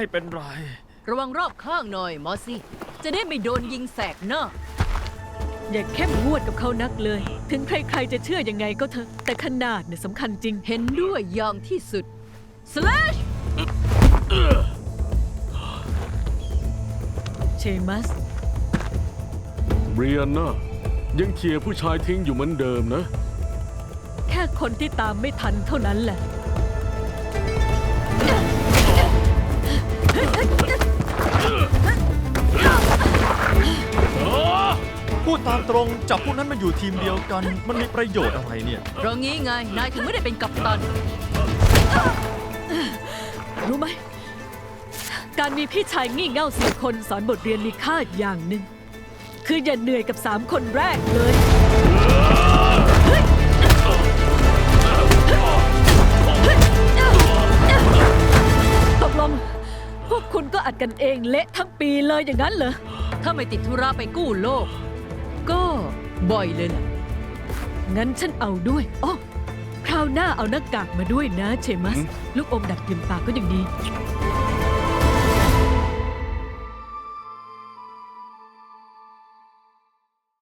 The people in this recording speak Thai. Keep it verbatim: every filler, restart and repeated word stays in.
ไม่เป็นไรระวังรอบข้างหน่อยมอสซี่จะได้ไม่โดนยิงแสกหน้าอย่าเข้มงวดกับเขานักเลย ถึงใครๆจะเชื่อยังไงก็เถอะแต่ขนาดเนี่ยสำคัญจริงเห็นด้วยอย่างที่สุด slash เชมัสเรียนนะยังเคลียร์ผู้ชายทิ้งอยู่เหมือนเดิมนะแค่คนที่ตามไม่ทันเท่านั้นแหละพูดตามตรงจับพวกนั้นมาอยู่ทีมเดียวกันมันมีประโยชน์อะไรเนี่ยเพราะงี้ไงนายถึงไม่ได้เป็นกัปตันรู้ไหมการมีพี่ชายงี่เง่าสี่คนสอนบทเรียนมีค่าอย่างหนึ่งคืออย่าเหนื่อยกับสามคนแรกเลยตกลงพวกคุณก็อัดกันเองเละทั้งปีเลยอย่างนั้นเหรอถ้าไม่ติดธุระไปกู้โลกก็บ่อยเลยล่ะงั้นฉันเอาด้วยอ๋อคราวหน้าเอาหน้ากากมาด้วยนะเชมัสลูกอมดัดกลิ่นปากก็ยังดี